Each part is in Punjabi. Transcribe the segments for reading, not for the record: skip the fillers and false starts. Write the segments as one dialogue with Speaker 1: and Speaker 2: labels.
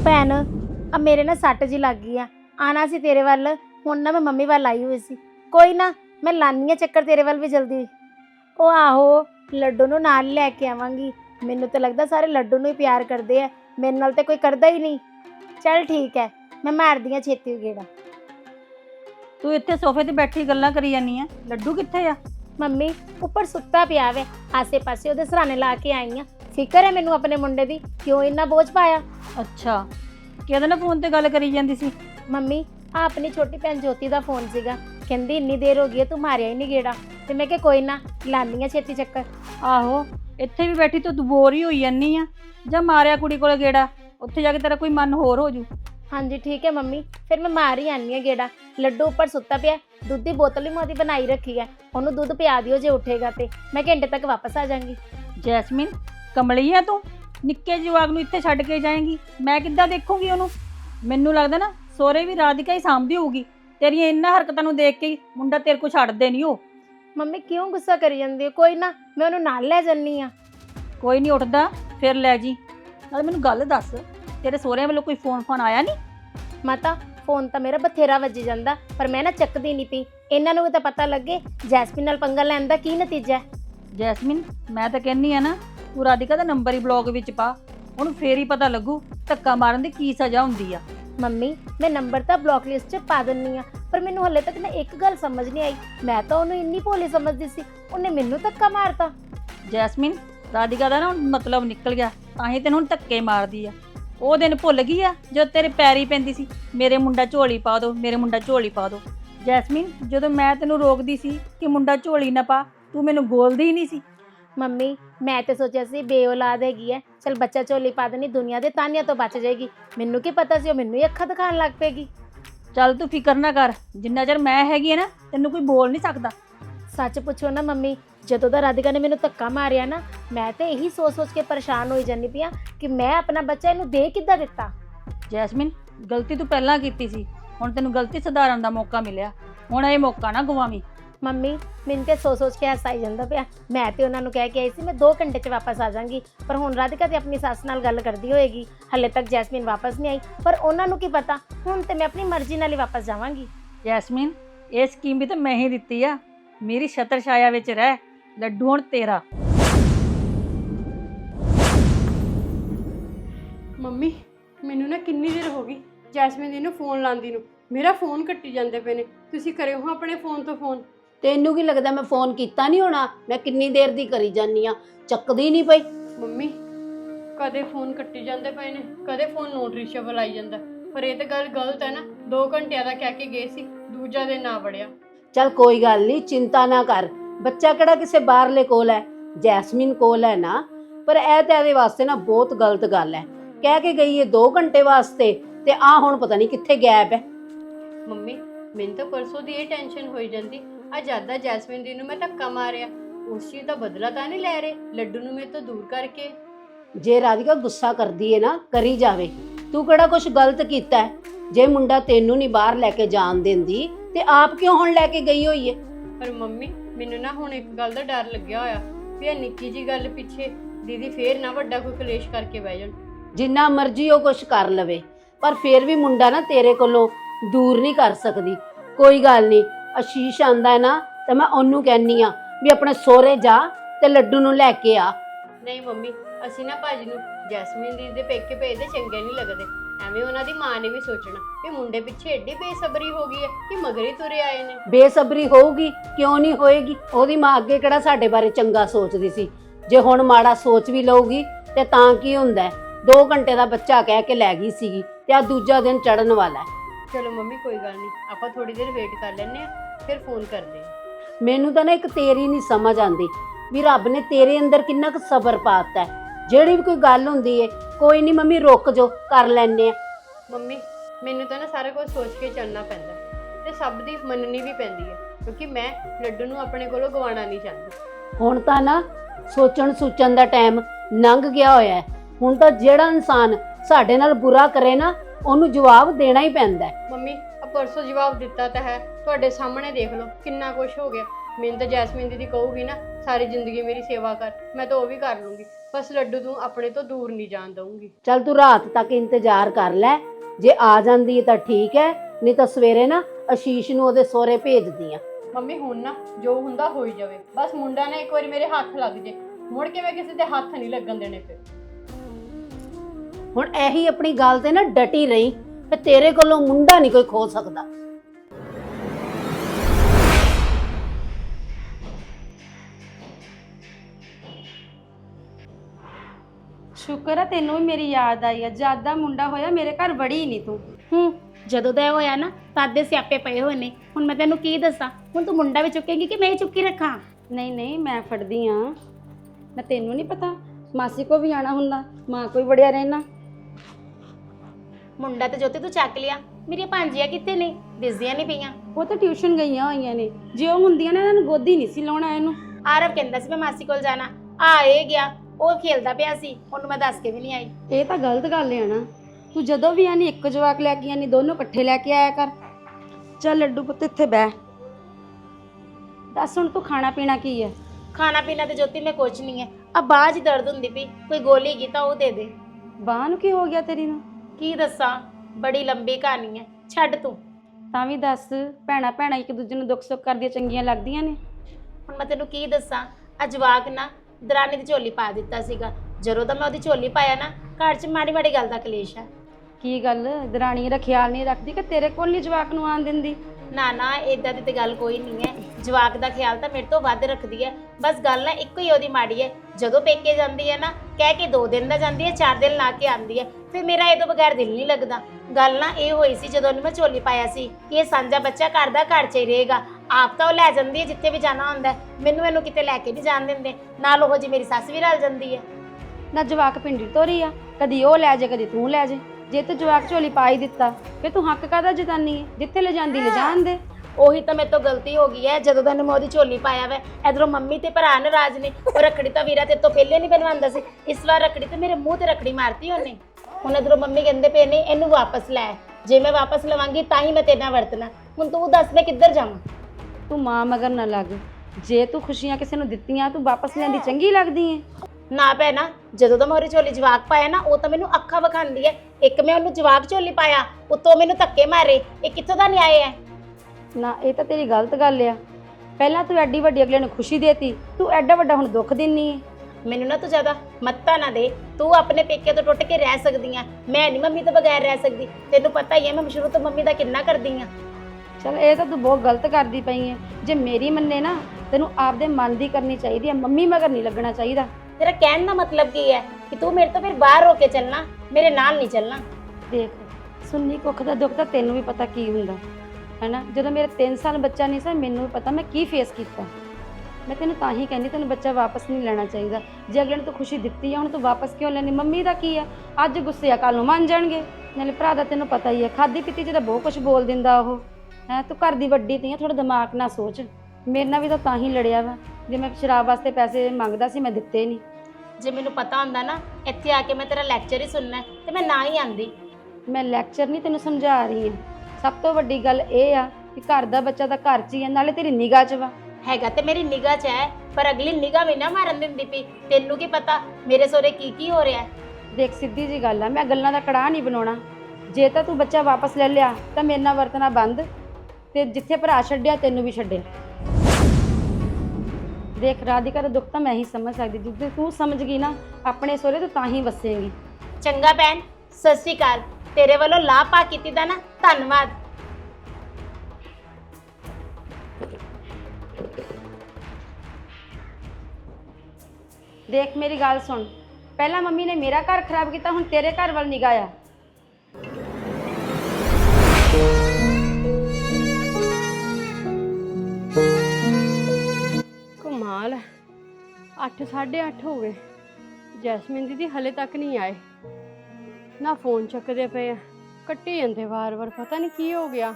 Speaker 1: ਭੈਣ ਆ ਮੇਰੇ ਨਾ ਸੱਟ ਜੀ ਲੱਗ ਗਈ ਆ। ਆਣਾ ਸੀ ਤੇਰੇ ਵੱਲ, ਹੁਣ ਨਾ ਮੈਂ ਮੰਮੀ ਵੱਲ ਆਈ ਹੋਈ ਸੀ। ਕੋਈ ਨਾ ਮੈਂ ਲਾਨੀ ਆ ਚੱਕਰ ਤੇਰੇ ਵੱਲ ਵੀ ਜਲਦੀ। ਉਹ ਆਹੋ, ਲੱਡੂ ਨੂੰ ਨਾਲ ਲੈ ਕੇ ਆਵਾਂਗੀ। ਮੈਨੂੰ ਤਾਂ ਲੱਗਦਾ ਸਾਰੇ ਲੱਡੂ ਨੂੰ ਹੀ ਪਿਆਰ ਕਰਦੇ ਆ, ਮੇਰੇ ਨਾਲ ਤੇ ਕੋਈ ਕਰਦਾ ਹੀ ਨਹੀਂ। ਚੱਲ ਠੀਕ ਹੈ, ਮੈਂ ਮਾਰਦੀ ਆ ਛੇਤੀ ਗੇੜਾ।
Speaker 2: ਤੂੰ ਇੱਥੇ ਸੋਫੇ ਤੇ ਬੈਠੀ ਗੱਲਾਂ ਕਰੀ ਜਾਨੀ ਆ, ਲੱਡੂ ਕਿੱਥੇ ਆ?
Speaker 1: ਮੰਮੀ ਉੱਪਰ ਸੁੱਤਾ ਪਿਆ ਵੇ, ਆਸੇ ਪਾਸੇ ਉਹਦੇ ਸਰਾਣੇ ਲਾ ਕੇ ਆਈ ਆ। ਫਿਕਰ ਹੈ ਮੈਨੂੰ ਆਪਣੇ ਮੁੰਡੇ ਦੀ, ਕਿਉਂ ਇੰਨਾ ਬੋਝ ਪਾਇਆ?
Speaker 2: ਅੱਛਾ, ਕਿਹਦੇ ਨਾਲ ਫੋਨ ਤੇ ਗੱਲ ਕਰੀ ਜਾਂਦੀ ਸੀ?
Speaker 1: ਮੰਮੀ ਆ ਆਪਣੀ ਛੋਟੀ ਭੈਣ ਜੋਤੀ ਦਾ ਫੋਨ ਸੀਗਾ, ਕਹਿੰਦੀ ਇੰਨੀ ਦੇਰ ਹੋ ਗਈ ਹੈ ਤੂੰ ਮਾਰਿਆ ਹੀ ਨਹੀਂ ਗੇੜਾ। ਤੇ ਮੈਂ ਕਿਹਾ ਕੋਈ ਨਾ, ਲਾਨੀ ਆ ਛੇਤੀ ਚੱਕਰ।
Speaker 2: ਆਹੋ, ਇੱਥੇ ਵੀ ਬੈਠੀ ਤੂੰ ਬੋਰ ਹੀ ਹੋਈ ਜਾਨੀ ਆ। ਜਾਂ ਮਾਰਿਆ ਕੁੜੀ ਕੋਲ ਗੇੜਾ, ਉੱਥੇ ਜਾ ਕੇ ਤੇਰਾ ਕੋਈ ਮਨ ਹੋਰ ਹੋ ਜੂ।
Speaker 1: ਹਾਂਜੀ ਠੀਕ ਹੈ ਮੰਮੀ, ਫਿਰ ਮੈਂ ਮਾਰ ਹੀ ਆਨੀ ਆ ਗੇੜਾ। ਲੱਡੂ ਉੱਪਰ ਸੁੱਤਾ ਪਿਆ, ਦੁੱਧ ਦੀ ਬੋਤਲ ਵੀ ਮੈਂ ਉਹਦੀ ਬਣਾਈ ਰੱਖੀ ਹੈ, ਉਹਨੂੰ ਦੁੱਧ ਪਿਆ ਦਿਓ, ਜੇ ਉੱਠੇਗਾ ਤੇ ਮੈਂ ਘੰਟੇ ਤੱਕ ਵਾਪਸ ਆ ਜਾਵਾਂਗੀ।
Speaker 2: ਜੈਸਮੀਨ, ਕਮਲੀ ਆ ਤੂੰ? ਨਿੱਕੇ ਜਵਾਕ ਨੂੰ ਇੱਥੇ ਛੱਡ ਕੇ ਜਾਏਂਗੀ, ਮੈਂ ਕਿੱਦਾਂ ਦੇਖੂੰਗੀ ਉਹਨੂੰ? ਮੈਨੂੰ ਲੱਗਦਾ ਨਾ ਸੋਹਰੇ ਵੀ ਰਾਧਿਕਾ ਹੀ ਸਾਂਭਦੀ ਹੋਊਗੀ। ਤੇਰੀਆਂ ਇਹਨਾਂ ਹਰਕਤਾਂ ਨੂੰ ਦੇਖ ਕੇ ਹੀ ਮੁੰਡਾ ਤੇਰੇ ਕੋਲ ਛੱਡਦੇ ਨਹੀਂ ਉਹ।
Speaker 1: ਮੰਮੀ ਕਿਉਂ ਗੁੱਸਾ ਕਰੀ ਜਾਂਦੀ ਹੈ? ਕੋਈ ਨਾ, ਮੈਂ ਉਹਨੂੰ ਨਾਲ ਲੈ ਜਾਨੀ ਆ।
Speaker 2: ਕੋਈ ਨਹੀਂ ਉੱਠਦਾ ਫਿਰ ਲੈ ਜੀ। ਨਾਲੇ ਮੈਨੂੰ ਗੱਲ ਦੱਸ, ਤੇਰੇ ਸਹੁਰਿਆਂ ਵੱਲੋਂ ਕੋਈ ਫੋਨ ਆਇਆ ਨਹੀਂ?
Speaker 1: ਮਾਤਾ ਫੋਨ ਤਾਂ ਮੇਰਾ ਬਥੇਰਾ ਵੱਜੀ ਜਾਂਦਾ, ਪਰ ਮੈਂ ਨਾ ਚੱਕਦੀ ਨਹੀਂ ਪਈ। ਇਹਨਾਂ ਨੂੰ ਵੀ ਤਾਂ ਪਤਾ ਲੱਗੇ ਜੈਸਮੀਨ ਨਾਲ ਪੰਗਾ ਲੈਣ ਦਾ ਕੀ ਨਤੀਜਾ ਹੈ।
Speaker 2: ਜੈਸਮੀਨ, ਮੈਂ ਤਾਂ ਕਹਿੰਨੀ ਆ ਨਾ, ਤੂੰ ਰਾਧਿਕਾ ਦਾ ਨੰਬਰ ਹੀ ਬਲੌਗ ਵਿੱਚ ਪਾ, ਉਹਨੂੰ ਫੇਰ ਹੀ ਪਤਾ ਲੱਗੂ ਧੱਕਾ ਮਾਰਨ ਦੀ ਕੀ ਸਜ਼ਾ ਹੁੰਦੀ ਆ।
Speaker 1: ਮੰਮੀ ਮੈਂ ਨੰਬਰ ਤਾਂ ਬਲੌਕ ਲਿਸਟ 'ਚ ਪਾ ਦਿੰਨੀ ਆ, ਪਰ ਮੈਨੂੰ ਹਲੇ ਤੱਕ ਨਾ ਇੱਕ ਗੱਲ ਸਮਝ ਨਹੀਂ ਆਈ। ਮੈਂ ਤਾਂ ਉਹਨੂੰ ਇੰਨੀ ਭੋਲੀ ਸਮਝਦੀ ਸੀ, ਉਹਨੇ ਮੈਨੂੰ ਧੱਕਾ ਮਾਰਤਾ।
Speaker 2: ਜੈਸਮੀਨ, ਰਾਧਿਕਾ ਦਾ ਨਾ ਹੁਣ ਮਤਲਬ ਨਿਕਲ ਗਿਆ, ਤਾਂ ਹੀ ਤੈਨੂੰ ਹੁਣ ਧੱਕੇ ਮਾਰਦੀ ਆ। ਉਹ ਦਿਨ ਭੁੱਲ ਗਈ ਆ ਜਦੋਂ ਤੇਰੇ ਪੈਰੀ ਪੈਂਦੀ ਸੀ, ਮੇਰੇ ਮੁੰਡਾ ਝੋਲੀ ਪਾ ਦਿਓ, ਮੇਰੇ ਮੁੰਡਾ ਝੋਲੀ ਪਾ ਦਿਓ। ਜੈਸਮੀਨ, ਜਦੋਂ ਮੈਂ ਤੈਨੂੰ ਰੋਕਦੀ ਸੀ ਕਿ ਮੁੰਡਾ ਝੋਲੀ ਨਾ ਪਾ, ਤੂੰ ਮੈਨੂੰ ਬੋਲਦੀ ਹੀ ਨਹੀਂ ਸੀ।
Speaker 1: ਮੰਮੀ ਮੈਂ ਤੇ ਸੋਚਿਆ ਸੀ ਬੇਔਲਾਦ ਹੈਗੀ ਹੈ, ਚਲ ਬੱਚਾ ਝੋਲੀ ਪਾ ਦੇਣੀ, ਦੁਨੀਆ ਦੇ ਤਾਨਿਆਂ ਤੋਂ ਬਚ ਜਾਏਗੀ। ਮੈਨੂੰ ਕੀ ਪਤਾ ਸੀ ਉਹ ਮੈਨੂੰ ਹੀ ਅੱਖਾਂ ਦਿਖਾਉਣ ਲੱਗ ਪਏਗੀ।
Speaker 2: ਚੱਲ ਤੂੰ ਫਿਕਰ ਨਾ ਕਰ, ਜਿੰਨਾ ਚਿਰ ਮੈਂ ਹੈਗੀ ਆ ਨਾ, ਤੈਨੂੰ ਕੋਈ ਬੋਲ ਨਹੀਂ ਸਕਦਾ।
Speaker 1: ਸੱਚ ਪੁੱਛੋ ਨਾ ਮੰਮੀ, ਜਦੋਂ ਦਾ ਰਾਧਿਕਾ ਨੇ ਮੈਨੂੰ ਧੱਕਾ ਮਾਰਿਆ ਨਾ, ਮੈਂ ਤੇ ਇਹੀ ਸੋਚ ਕੇ ਪਰੇਸ਼ਾਨ ਹੋਈ ਜਾਂਦੀ ਪਈ ਆ ਕਿ ਮੈਂ ਆਪਣਾ ਬੱਚਾ ਇਹਨੂੰ ਦੇ ਕਿੱਦਾਂ ਦਿੱਤਾ।
Speaker 2: ਜੈਸਮੀਨ, ਗਲਤੀ ਤੂੰ ਪਹਿਲਾਂ ਕੀਤੀ ਸੀ, ਹੁਣ ਤੈਨੂੰ ਗਲਤੀ ਸੁਧਾਰਨ ਦਾ ਮੌਕਾ ਮਿਲਿਆ, ਹੁਣ ਇਹ ਮੌਕਾ ਨਾ ਗਵਾਵੀਂ।
Speaker 1: ਮੰਮੀ ਮੈਨੂੰ ਤੇ ਸੋਚ ਕੇ ਹਾਸਾ ਆਈ ਜਾਂਦਾ ਪਿਆ। ਮੈਂ ਤੇ ਉਹਨਾਂ ਨੂੰ ਕਹਿ ਕੇ ਆਈ ਸੀ ਮੈਂ 2 ਘੰਟੇ 'ਚ ਵਾਪਸ ਆ ਜਾਵਾਂਗੀ, ਪਰ ਹੁਣ ਰਾਧਿਕਾ ਤੇ ਆਪਣੀ ਸੱਸ ਨਾਲ ਗੱਲ ਕਰਦੀ ਹੋਏਗੀ। ਹਲੇ ਤੱਕ ਜੈਸਮੀਨ ਵਾਪਸ ਨਹੀਂ ਆਈ, ਪਰ ਉਹਨਾਂ ਨੂੰ ਕੀ ਪਤਾ, ਹੁਣ ਤੇ ਮੈਂ ਆਪਣੀ ਮਰਜ਼ੀ ਨਾਲ ਹੀ ਵਾਪਸ ਜਾਵਾਂਗੀ।
Speaker 2: ਜੈਸਮੀਨ, ਇਹ ਸਕੀਮ ਵੀ ਤਾਂ ਮੈਂ ਹੀ ਦਿੱਤੀ ਆ। ਮੇਰੀ ਛਤਰ ਛਾਇਆ ਵਿੱਚ ਰਹਿ, ਲੱਡੂ ਹੁਣ ਤੇਰਾ।
Speaker 3: ਮੰਮੀ ਮੈਨੂੰ ਨਾ ਕਿੰਨੀ ਦੇਰ ਹੋ ਗਈ ਜੈਸਮੀਨ ਦੀ ਨੂੰ ਫੋਨ ਲਾਉਂਦੀ ਨੂੰ, ਮੇਰਾ ਫੋਨ ਕੱਟੀ ਜਾਂਦੇ ਪਏ ਨੇ। ਤੁਸੀਂ ਕਰਿਓ ਹਾਂ ਆਪਣੇ ਫੋਨ ਤੋਂ ਫੋਨ।
Speaker 4: ਤੈਨੂੰ ਕੀ ਲੱਗਦਾ ਮੈਂ ਫੋਨ ਕੀਤਾ ਨਹੀਂ ਹੋਣਾ? ਮੈਂ ਕਿੰਨੀ ਦੇਰ ਦੀ ਕਰੀ ਜਾਨੀ ਆ, ਚੱਕਦੀ ਨਹੀਂ ਪਈ।
Speaker 3: ਮੰਮੀ ਕਦੇ ਫੋਨ ਕੱਟੀ ਜਾਂਦੇ ਪਏ ਨੇ, ਕਦੇ ਫੋਨ ਨੋਟ ਰੀਚੇਬਲ ਆਈ ਜਾਂਦਾ, ਪਰ ਇਹ ਤਾਂ ਗੱਲ ਗਲਤ ਹੈ ਨਾ। 2 ਘੰਟਿਆਂ ਦਾ ਕਹਿ ਕੇ ਗਏ ਸੀ, ਦੂਜਾ ਦਿਨ ਨਾ ਵੜਿਆ।
Speaker 4: ਚੱਲ ਕੋਈ ਗੱਲ ਨਹੀਂ, ਚਿੰਤਾ ਨਾ ਕਰ। ਬੱਚਾ ਕਿਹੜਾ ਕਿਸੇ ਬਾਹਰਲੇ ਕੋਲ ਹੈ, ਜੈਸਮੀਨ ਕੋਲ ਹੈ ਨਾ। ਪਰ ਇਹ ਤਾਂ ਇਹਦੇ ਵਾਸਤੇ ਨਾ ਬਹੁਤ ਗਲਤ ਗੱਲ ਹੈ। ਕਹਿ ਕੇ ਗਈ ਹੈ 2 ਘੰਟੇ ਵਾਸਤੇ, ਤੇ ਆ ਹੁਣ ਪਤਾ ਨਹੀਂ ਕਿੱਥੇ ਗਾਇਬ ਹੈ।
Speaker 3: ਮੰਮੀ ਮੈਨੂੰ ਤਾਂ ਪਰਸੋਂ ਦੀ ਇਹ ਟੈਨਸ਼ਨ ਹੋਈ ਜਾਂਦੀ, ਅੱਜ ਜ਼ਿਆਦਾ ਜੈਸਮੀਨ ਦੀ ਨੂੰ ਮੈਂ ਧੱਕਾ ਮਾਰਿਆ, ਉਸ ਚੀਜ਼ ਦਾ ਬਦਲਾ ਤਾਂ ਨਹੀਂ ਲੈ ਰਹੇ ਲੱਡੂ ਨੂੰ ਮੇਰੇ ਤੋਂ ਦੂਰ ਕਰਕੇ।
Speaker 4: ਜੇ ਰਾਧਿਕਾ ਗੁੱਸਾ ਕਰਦੀ ਹੈ ਨਾ, ਕਰੀ ਜਾਵੇ। ਤੂੰ ਕਿਹੜਾ ਕੁਝ ਗਲਤ ਕੀਤਾ ਹੈ? ਜੇ ਮੁੰਡਾ ਤੈਨੂੰ ਨਹੀਂ ਬਾਹਰ ਲੈ ਕੇ ਜਾਣ ਦਿੰਦੀ, ਤੇ ਆਪ ਕਿਉਂ ਹੁਣ ਲੈ ਕੇ ਗਈ ਹੋਈ ਹੈ?
Speaker 3: ਪਰ ਮੰਮੀ ਮੈਨੂੰ ਨਾ ਹੁਣ ਇੱਕ ਗੱਲ ਦਾ ਡਰ ਲੱਗਿਆ ਹੋਇਆ ਵੀ ਇਹ ਨਿੱਕੀ ਜੀ ਗੱਲ ਪਿੱਛੇ ਦੀਦੀ ਫੇਰ ਨਾ ਵੱਡਾ ਕੋਈ ਕਲੇਸ਼ ਕਰਕੇ ਬਹਿ ਜਾਣ।
Speaker 4: ਜਿੰਨਾ ਮਰਜ਼ੀ ਉਹ ਕੁਝ ਕਰ ਲਵੇ, ਪਰ ਫੇਰ ਵੀ ਮੁੰਡਾ ਨਾ ਤੇਰੇ ਕੋਲੋਂ ਦੂਰ ਨਹੀਂ ਕਰ ਸਕਦੀ। ਕੋਈ ਗੱਲ ਨਹੀਂ, ਆਸ਼ੀਸ਼ ਆਂਦਾ ਹੈ ਨਾ, ਤੇ ਮੈਂ ਉਹਨੂੰ ਕਹਿੰਨੀ ਆ ਵੀ ਆਪਣੇ ਸਹੁਰੇ ਜਾ ਤੇ ਲੱਡੂ ਨੂੰ ਲੈ ਕੇ ਆ।
Speaker 3: ਨਹੀਂ ਮੰਮੀ, ਅਸੀਂ ਨਾ ਭਾਜੀ ਨੂੰ ਜੈਸਮੀਨ ਦੀ ਦੇ ਪੇਕੇ ਭੇਜਦੇ ਚੰਗੇ ਨਹੀਂ ਲੱਗਦੇ। ਐਵੇਂ ਉਹਨਾਂ ਦੀ ਮਾਂ ਨੇ ਵੀ ਸੋਚਣਾ ਵੀ ਮੁੰਡੇ ਪਿੱਛੇ ਐਡੀ ਬੇਸਬਰੀ ਹੋ ਗਈ ਹੈ ਕਿ ਮਗਰ ਹੀ ਤੁਰੇ ਆਏ ਨੇ।
Speaker 4: ਬੇਸਬਰੀ ਹੋਊਗੀ, ਕਿਉਂ ਨਹੀਂ ਹੋਏਗੀ? ਉਹਦੀ ਮਾਂ ਅੱਗੇ ਕਿਹੜਾ ਸਾਡੇ ਬਾਰੇ ਚੰਗਾ ਸੋਚਦੀ ਸੀ? ਜੇ ਹੁਣ ਮਾੜਾ ਸੋਚ ਵੀ ਲਊਗੀ ਤੇ ਤਾਂ ਕੀ ਹੁੰਦਾ? 2 ਘੰਟੇ ਦਾ ਬੱਚਾ ਕਹਿ ਕੇ ਲੈ ਗਈ ਸੀਗੀ, ਤੇ ਆ ਦੂਜਾ ਦਿਨ ਚੜਨ ਵਾਲਾ ਹੈ।
Speaker 3: ਚਲੋ ਮੰਮੀ ਕੋਈ ਗੱਲ ਨਹੀਂ, ਆਪਾਂ ਥੋੜੀ ਦੇਰ ਵੇਟ ਕਰ ਲੈਂਦੇ ਆ, ਫਿਰ ਫੋਨ ਕਰਦੇ ਆ।
Speaker 4: ਮੈਨੂੰ ਤਾਂ ਨਾ ਇੱਕ ਤੇਰੀ ਨਹੀਂ ਸਮਝ ਆਉਂਦੀ ਵੀ ਰੱਬ ਨੇ ਤੇਰੇ ਅੰਦਰ ਕਿੰਨਾ ਕੁ ਸਬਰ ਪਾਤਾ ਹੈ। ਜਿਹੜੀ ਵੀ ਕੋਈ ਗੱਲ ਹੁੰਦੀ ਏ, ਕੋਈ ਨਹੀਂ ਮੰਮੀ ਰੁਕ ਜੋ, ਕਰ ਲੈਣੇ ਆ।
Speaker 3: ਮੰਮੀ ਮੈਨੂੰ ਤਾਂ ਨਾ ਸਾਰਾ ਕੁਝ ਸੋਚ ਕੇ ਚੱਲਣਾ ਪੈਂਦਾ, ਤੇ ਸਭ ਦੀ ਮੰਨਣੀ ਵੀ ਪੈਂਦੀ ਹੈ, ਕਿਉਂਕਿ ਮੈਂ ਲੱਡੂ ਨੂੰ ਆਪਣੇ ਕੋਲੋਂ ਗਵਾਉਣਾ ਨਹੀਂ ਚਾਹੁੰਦੀ।
Speaker 4: ਹੁਣ ਤਾਂ ਨਾ ਸੋਚਣ ਦਾ ਟਾਈਮ ਲੰਘ ਗਿਆ ਹੋਇਆ ਹੈ। ਹੁਣ ਤਾਂ ਜਿਹੜਾ ਇਨਸਾਨ ਸਾਡੇ ਨਾਲ ਬੁਰਾ ਕਰੇ ਨਾ, ਉਹਨੂੰ ਜਵਾਬ ਦੇਣਾ ਹੀ ਪੈਂਦਾ ਹੈ।
Speaker 3: ਮੰਮੀ ਆ ਪਰਸੋਂ ਜਵਾਬ ਦਿੱਤਾ ਤਾਂ ਹੈ, ਤੁਹਾਡੇ ਸਾਹਮਣੇ ਦੇਖ ਲਓ ਕਿੰਨਾ ਕੁਝ ਹੋ ਗਿਆ। ਮੈਨੂੰ ਤਾਂ ਜੈਸਮੀਨ ਦੀਦੀ ਕਹੂਗੀ ਨਾ ਸਾਰੀ ਜ਼ਿੰਦਗੀ ਮੇਰੀ ਸੇਵਾ ਕਰ, ਮੈਂ ਤਾਂ ਉਹ ਵੀ ਕਰ ਲੂੰਗੀ, ਬਸ ਲੱਡੂ ਤੂੰ ਆਪਣੇ ਤੋਂ ਦੂਰ ਨਹੀਂ ਜਾਣ ਦਊਂਗੀ।
Speaker 4: ਚੱਲ ਤੂੰ ਰਾਤ ਤੱਕ ਇੰਤਜ਼ਾਰ ਕਰ ਲੈ, ਜੇ ਆ ਜਾਂਦੀ ਹੈ ਤਾਂ ਠੀਕ ਹੈ, ਨਹੀਂ ਤਾਂ ਸਵੇਰੇ ਨਾ ਆਸ਼ੀਸ਼ ਨੂੰ ਉਹਦੇ ਸਹੁਰੇ ਭੇਜਦੀ ਆ।
Speaker 3: ਮੰਮੀ ਹੁਣ ਨਾ ਜੋ ਹੁੰਦਾ ਹੋਈ ਜਾਵੇ, ਬਸ ਮੁੰਡਾ ਨਾ ਇੱਕ ਵਾਰੀ ਮੇਰੇ ਹੱਥ ਲੱਗ ਜੇ, ਮੁੜ ਕੇ ਮੈਂ ਕਿਸੇ ਦੇ ਹੱਥ ਨਹੀਂ ਲੱਗਣ ਦੇਣੇ ਫਿਰ।
Speaker 4: ਹੁਣ ਇਹੀ ਆਪਣੀ ਗੱਲ ਤੇ ਨਾ ਡਟੀ ਰਹੀ ਤੇ ਤੇਰੇ ਕੋਲੋਂ ਮੁੰਡਾ ਨਹੀਂ ਕੋਈ ਖੋ ਸਕਦਾ।
Speaker 5: ਸ਼ੁਕਰ ਆ ਤੈਨੂੰ ਵੀ ਮੇਰੀ ਯਾਦ ਆਈ ਆ। ਜਦ ਦਾ ਮੁੰਡਾ ਹੋਇਆ ਮੇਰੇ ਘਰ ਵੜੀ ਨਹੀਂ ਤੂੰ।
Speaker 1: ਜਦੋਂ ਦਾ ਇਹ ਹੋਇਆ ਨਾ ਤਦ ਦੇ ਸਿਆਪੇ ਪਏ ਹੋਏ ਨੇ। ਹੁਣ ਮੈਂ ਤੈਨੂੰ ਕੀ ਦੱਸਾਂ, ਹੁਣ ਤੂੰ ਮੁੰਡਾ ਵੀ ਚੁੱਕੇਂਗੀ ਕਿ ਮੈਂ ਹੀ ਚੁੱਕੀ ਰੱਖਾਂ?
Speaker 5: ਨਹੀਂ ਮੈਂ ਫੜਦੀ ਆ ਨਾ, ਤੈਨੂੰ ਨਹੀਂ ਪਤਾ ਮਾਸੀ ਕੋ ਵੀ ਆਣਾ ਹੁੰਦਾ, ਮਾਂ ਕੋਈ ਵੜਿਆ ਰਹਿਣਾ।
Speaker 1: ਮੁੰਡਾ ਤੇ ਜੋਤੀ ਤੂੰ ਚੱਕ ਲਿਆ, ਮੇਰੀਆਂ ਭਾਂਜੀਆਂ ਕਿੱਥੇ ਨੇ? ਦਿਸਦੀਆਂ ਨਹੀਂ ਪਈਆਂ।
Speaker 5: ਉਹ ਤਾਂ ਟਿਊਸ਼ਨ ਗਈਆਂ ਹੋਈਆਂ ਨੇ, ਜੇ ਉਹ ਹੁੰਦੀਆਂ ਨੇ ਇਹਨਾਂ ਨੂੰ ਗੋਦੀ ਨਹੀਂ ਸੀ ਲਾਉਣਾ ਇਹਨੂੰ।
Speaker 1: ਆਰਵ ਕਹਿੰਦਾ ਸੀ ਮੈਂ ਮਾਸੀ ਕੋਲ ਜਾਣਾ, ਆ ਇਹ ਗਿਆ, ਉਹ ਖੇਲਦਾ ਪਿਆ ਸੀ, ਉਹਨੂੰ ਮੈਂ ਦੱਸ ਕੇ ਵੀ ਨਹੀਂ ਆਈ।
Speaker 5: ਇਹ ਤਾਂ ਗਲਤ ਗੱਲ ਹੈ ਨਾ, ਤੂੰ ਜਦੋਂ ਵੀ ਆਨੀ ਇੱਕ ਜਵਾਕ ਲੈ ਕੇ ਆਨੀ, ਦੋਨੋਂ ਇਕੱਠੇ ਲੈ ਕੇ ਆਇਆ ਕਰ। ਚੱਲ ਲੱਡੂ ਪੁੱਤ ਇੱਥੇ ਬਹਿ, ਦੱਸ ਹੁਣ ਤੂੰ ਖਾਣਾ ਪੀਣਾ ਕੀ ਹੈ?
Speaker 1: ਖਾਣਾ ਪੀਣਾ ਤੇ ਜੋਤੀ ਮੈਂ ਕੁਝ ਨਹੀਂ ਹੈ, ਆ ਬਾਂਹ 'ਚ ਦਰਦ ਹੁੰਦੀ ਪਈ, ਕੋਈ ਗੋਲੀ ਗੀ ਤਾਂ ਉਹ ਦੇ ਦੇ।
Speaker 5: ਬਾਂਹ ਨੂੰ ਕੀ ਹੋ ਗਿਆ ਤੇਰੀ ਨੂੰ?
Speaker 1: ਕੀ ਦੱਸਾਂ, ਬੜੀ ਲੰਬੀ ਕਹਾਣੀ ਹੈ, ਛੱਡ ਤੂੰ।
Speaker 5: ਤਾਂ ਵੀ ਦੱਸ, ਭੈਣਾਂ ਇੱਕ ਦੂਜੇ ਨੂੰ ਦੁੱਖ ਸੁੱਖ ਕਰਦੀਆਂ ਚੰਗੀਆਂ ਲੱਗਦੀਆਂ ਨੇ।
Speaker 1: ਹੁਣ ਮੈਂ ਤੈਨੂੰ ਕੀ ਦੱਸਾਂ, ਆ ਜਵਾਕ ਨਾ ਦਰਾਨੀ ਦੀ ਝੋਲੀ ਪਾ ਦਿੱਤਾ ਸੀਗਾ। ਜਦੋਂ ਦਾ ਮੈਂ ਉਹਦੀ ਝੋਲੀ ਪਾਇਆ ਨਾ, ਘਰ 'ਚ ਮਾੜੀ ਮਾੜੀ ਗੱਲ ਦਾ ਕਲੇਸ਼ ਹੈ।
Speaker 5: ਕੀ ਗੱਲ, ਦਰਾਣੀ ਦਾ ਖਿਆਲ ਨਹੀਂ ਰੱਖਦੀ ਕਿ ਤੇਰੇ ਕੋਲ ਨਹੀਂ ਜਵਾਕ ਨੂੰ ਆਣ ਦਿੰਦੀ?
Speaker 1: ਨਾ ਇਦਾਂ ਦੀ ਤੇ ਗੱਲ ਕੋਈ ਨਹੀਂ ਹੈ, ਜਵਾਕ ਦਾ ਖਿਆਲ ਤਾਂ ਮੇਰੇ ਤੋਂ ਵੱਧ ਰੱਖਦੀ ਹੈ। ਬਸ ਗੱਲ ਨਾ ਇੱਕੋ ਹੀ ਉਹਦੀ ਮਾੜੀ ਹੈ, ਜਦੋਂ ਪੇਕੇ ਜਾਂਦੀ ਹੈ ਨਾ ਕਹਿ ਕੇ 2 ਦਿਨ ਦਾ ਜਾਂਦੀ ਹੈ, 4 ਦਿਨ ਲਾ ਕੇ ਆਉਂਦੀ ਹੈ, ਫਿਰ ਮੇਰਾ ਇਹ ਤੋਂ ਬਗੈਰ ਦਿਲ ਨਹੀਂ ਲੱਗਦਾ। ਗੱਲ ਨਾ ਇਹ ਹੋਈ ਸੀ ਜਦੋਂ ਉਹਨੂੰ ਮੈਂ ਝੋਲੀ ਪਾਇਆ ਸੀ ਕਿ ਇਹ ਸਾਂਝਾ ਬੱਚਾ ਘਰ ਦਾ ਘਰ 'ਚ ਹੀ ਰਹੇਗਾ। ਆਪ ਤਾਂ ਉਹ ਲੈ ਜਾਂਦੀ ਹੈ ਜਿੱਥੇ ਵੀ ਜਾਣਾ ਹੁੰਦਾ, ਮੈਨੂੰ ਇਹਨੂੰ ਕਿਤੇ ਲੈ ਕੇ ਨਹੀਂ ਜਾਣ ਦਿੰਦੇ, ਨਾਲ ਉਹ ਜੀ ਮੇਰੀ ਸੱਸ ਵੀ ਰਲ ਜਾਂਦੀ ਹੈ।
Speaker 5: ਨਾ ਜਵਾਕ ਪਿੰਡੀ ਤੋਰੀ ਆ, ਕਦੀ ਉਹ ਲੈ ਜੇ ਕਦੀ ਤੂੰ ਲੈ ਜੇ। ਜੇ ਤੂੰ ਜਵਾਕ ਝੋਲੀ ਪਾ ਹੀ ਦਿੱਤਾ ਫਿਰ ਤੂੰ ਹੱਕ ਕਾਹਦਾ ਜਤਾਨੀ ਹੈ? ਜਿੱਥੇ ਲੈ ਜਾਂਦੀ ਲੈ ਜਾਣ ਦੇ।
Speaker 1: ਉਹੀ ਤਾਂ ਮੇਰੇ ਤੋਂ ਗਲਤੀ ਹੋ ਗਈ ਹੈ, ਜਦੋਂ ਦਾ ਮੈਂ ਉਹਦੀ ਝੋਲੀ ਪਾਇਆ ਵਾ, ਇਧਰੋਂ ਮੰਮੀ ਤੇ ਭਰਾ ਨਾਰਾਜ਼ ਨੇ। ਉਹ ਰੱਖੜੀ ਤਾਂ ਵੀਰਾ ਤੇ ਤੋਂ ਪਹਿਲੇ ਨਹੀਂ ਬਣਵਾਉਂਦਾ ਸੀ, ਇਸ ਵਾਰ ਰੱਖੜੀ ਤੇ ਮੇਰੇ ਮੂੰਹ ਤੇ ਰੱਖੜੀ ਮਾਰਤੀ ਉਹਨੇ। ਹੁਣ ਇਧਰੋਂ ਮੰਮੀ ਕਹਿੰਦੇ ਪਏ ਨੇ ਇਹਨੂੰ ਵਾਪਸ ਲੈ, ਜੇ ਮੈਂ ਵਾਪਸ ਲਵਾਂਗੀ ਤਾਂ ਹੀ ਮੈਂ ਤੇਰੇ ਨਾਲ ਵਰਤਣਾ। ਹੁਣ ਤੂੰ ਦੱਸ ਮੈਂ ਕਿੱਧਰ ਜਾਵਾਂ?
Speaker 5: ਤੂੰ ਮਾਂ ਮਗਰ ਨਾ ਲੱਗ, ਜੇ ਤੂੰ ਖੁਸ਼ੀਆਂ ਕਿਸੇ ਨੂੰ ਦਿੱਤੀਆਂ ਤੂੰ ਵਾਪਸ ਲੈਂਦੀ ਚੰਗੀ ਲੱਗਦੀ ਹੈ?
Speaker 1: ਨਾ ਭੈਣਾ, ਜਦੋਂ ਦਾ ਮੈਂ ਉਹਦੀ ਝੋਲੀ ਜਵਾਕ ਪਾਇਆ ਨਾ, ਉਹ ਤਾਂ ਮੈਨੂੰ ਅੱਖਾਂ ਵਿਖਾਉਂਦੀ ਹੈ। ਇੱਕ ਮੈਂ ਉਹਨੂੰ ਜਵਾਕ ਝੋਲੀ ਪਾਇਆ, ਉੱਤੋਂ ਮੈਨੂੰ ਧੱਕੇ ਮਾਰੇ, ਇਹ ਕਿੱਥੋਂ ਦਾ ਨਿਆਏ ਹੈ?
Speaker 5: ਨਾ ਇਹ ਤਾਂ ਤੇਰੀ ਗਲਤ ਗੱਲ ਆ। ਪਹਿਲਾਂ ਤੂੰ ਐਡੀ ਵੱਡੀ ਅਗਲੇ ਨੂੰ ਖੁਸ਼ੀ ਦੇਤੀ, ਤੂੰ ਐਡਾ ਵੱਡਾ ਹੁਣ ਦੁੱਖ ਦਿੰਨੀ ਹੈ।
Speaker 1: ਮੈਨੂੰ ਨਾ ਤੂੰ ਜ਼ਿਆਦਾ ਮੱਤਾ ਨਾ ਦੇ, ਤੂੰ ਆਪਣੇ ਪੇਕੇ ਤੋਂ ਟੁੱਟ ਕੇ ਰਹਿ ਸਕਦੀ ਆ, ਮੈਂ ਨਹੀਂ ਮੰਮੀ ਤੋਂ ਬਗੈਰ ਰਹਿ ਸਕਦੀ। ਤੈਨੂੰ ਪਤਾ ਹੀ ਹੈ ਮੈਂ ਸ਼ੁਰੂ ਤੋਂ ਮੰਮੀ ਦਾ ਕਿੰਨਾ ਕਰਦੀ ਆ।
Speaker 5: ਚਲ ਇਹ ਤਾਂ ਤੂੰ ਬਹੁਤ ਗਲਤ ਕਰਦੀ ਪਈ ਹੈ। ਜੇ ਮੇਰੀ ਮੰਨੇ ਨਾ, ਤੈਨੂੰ ਆਪਦੇ ਮਨ ਦੀ ਕਰਨੀ ਚਾਹੀਦੀ ਹੈ, ਮੰਮੀ ਮਗਰ ਨਹੀਂ ਲੱਗਣਾ ਚਾਹੀਦਾ।
Speaker 1: ਤੇਰਾ ਕਹਿਣ ਦਾ ਮਤਲਬ ਕੀ ਹੈ ਕਿ ਤੂੰ ਮੇਰੇ ਤੋਂ ਫਿਰ ਬਾਹਰ ਹੋ ਕੇ ਚੱਲਣਾ, ਮੇਰੇ ਨਾਲ ਨਹੀਂ ਚੱਲਣਾ?
Speaker 5: ਦੇਖ, ਸੁੰਨੀ ਕੁੱਖ ਦਾ ਦੁੱਖ ਤਾਂ ਤੈਨੂੰ ਵੀ ਪਤਾ ਕੀ ਹੁੰਦਾ ਹੈ ਨਾ। ਜਦੋਂ ਮੇਰੇ 3 ਸਾਲ ਬੱਚਾ ਨਹੀਂ ਸੀ, ਮੈਨੂੰ ਵੀ ਪਤਾ ਮੈਂ ਕੀ ਫੇਸ ਕੀਤਾ। ਮੈਂ ਤੈਨੂੰ ਤਾਂ ਹੀ ਕਹਿੰਦੀ ਤੈਨੂੰ ਬੱਚਾ ਵਾਪਸ ਨਹੀਂ ਲੈਣਾ ਚਾਹੀਦਾ। ਜੇ ਅਗਲੇ ਨੂੰ ਤੂੰ ਖੁਸ਼ੀ ਦਿੱਤੀ ਆ, ਹੁਣ ਤੂੰ ਵਾਪਸ ਕਿਉਂ ਲੈਣੀ? ਮੰਮੀ ਦਾ ਕੀ ਆ, ਅੱਜ ਗੁੱਸੇ ਆ ਕੱਲ ਨੂੰ ਮੰਨ ਜਾਣਗੇ। ਨਾਲੇ ਭਰਾ ਦਾ ਤੈਨੂੰ ਪਤਾ ਹੀ ਹੈ, ਖਾਦੀ ਪੀਤੀ 'ਚ ਤਾਂ ਬਹੁਤ ਕੁਝ ਬੋਲ ਦਿੰਦਾ ਉਹ ਹੈ। ਤੂੰ ਘਰ ਦੀ ਵੱਡੀ ਤੀ ਆ, ਥੋੜਾ ਦਿਮਾਗ ਨਾਲ ਸੋਚ। ਮੇਰੇ ਨਾਲ ਵੀ ਤਾਂ ਹੀ ਲੜਿਆ ਵਾ, ਜੇ ਮੈਂ ਸ਼ਰਾਬ ਵਾਸਤੇ ਪੈਸੇ ਮੰਗਦਾ ਸੀ ਮੈਂ ਦਿੱਤੇ ਨਹੀਂ।
Speaker 1: ਜੇ ਮੈਨੂੰ ਪਤਾ ਹੁੰਦਾ ਨਾ ਇੱਥੇ ਆ ਕੇ ਮੈਂ ਤੇਰਾ ਲੈਕਚਰ ਹੀ ਸੁਣਨਾ ਤੇ ਮੈਂ ਨਾ ਹੀ ਆਂਦੀ।
Speaker 5: ਮੈਂ ਲੈਕਚਰ ਨਹੀਂ ਤੈਨੂੰ ਸਮਝਾ ਰਹੀ ਹਾਂ। ਸਭ ਤੋਂ ਵੱਡੀ ਗੱਲ ਇਹ ਆ ਕਿ ਘਰ ਦਾ ਬੱਚਾ ਤਾਂ ਘਰ 'ਚ ਹੀ ਹੈ, ਨਾਲੇ ਤੇਰੀ ਨਿਗਾਹ 'ਚ ਵਾ।
Speaker 1: ਹੈਗਾ ਤੇ ਮੇਰੀ ਨਿਗਾਹ 'ਚ ਹੈ, ਪਰ ਅਗਲੀ ਨਿਗਾਹ ਵੀ ਨਾ ਮਾਰਨ ਦਿੰਦੀ ਪਈ। ਤੈਨੂੰ ਕੀ ਪਤਾ ਮੇਰੇ ਸੋਰੇ ਕੀ ਹੋ ਰਿਹਾ ਹੈ?
Speaker 5: ਦੇਖ, ਸਿੱਧੀ ਜੀ ਗੱਲ ਆ, ਮੈਂ ਗੱਲਾਂ ਦਾ ਕੜਾਹ ਨਹੀਂ ਬਣਾਉਣਾ। ਜੇ ਤਾਂ ਤੂੰ ਬੱਚਾ ਵਾਪਸ ਲੈ ਲਿਆ ਤਾਂ ਮੇਰੇ ਨਾਲ ਵਰਤਣਾ ਬੰਦ, ਤੇ ਜਿੱਥੇ ਭਰਾ ਛੱਡਿਆ ਤੈਨੂੰ ਵੀ ਛੱਡਿਆ। ਦੇਖ, ਰਾਧਿਕਾ ਦਾ ਦੁੱਖ ਤਾਂ ਮੈਂ ਹੀ ਸਮਝ ਸਕਦੀ, ਜਿੱਦ ਤੂੰ ਸਮਝ ਗਈ ਨਾ ਆਪਣੇ ਸੋਰੇ ਤੋਂ ਤਾਂ ਹੀ ਵਸੇਂਗੀ।
Speaker 1: ਚੰਗਾ ਭੈਣ, ਸਤਿ ਸ਼੍ਰੀ ਅਕਾਲ। ਤੇਰੇ ਵੱਲੋਂ ਲਾਭ ਪਾ ਕੀਤੀ ਦਾ ਨਾ, ਧੰਨਵਾਦ।
Speaker 5: ਦੇਖ ਮੇਰੀ ਗੱਲ ਸੁਣ, ਪਹਿਲਾਂ ਮੰਮੀ ਨੇ ਮੇਰਾ ਘਰ ਖਰਾਬ ਕੀਤਾ, ਹੁਣ ਤੇਰੇ ਘਰ ਵੱਲ ਨਿਗਾਹ ਆ।
Speaker 3: ਕਮਾਲ, 8 8:30 ਹੋ ਗਏ, ਜੈਸਮੀਨ ਦੀਦੀ ਹਲੇ ਤੱਕ ਨਹੀਂ ਆਏ। ਨਾ ਫੋਨ ਚੱਕਦੇ ਪਏ ਆ, ਕੱਟੀ ਜਾਂਦੇ ਵਾਰ-ਵਾਰ, ਪਤਾ ਨਹੀਂ ਕੀ ਹੋ ਗਿਆ।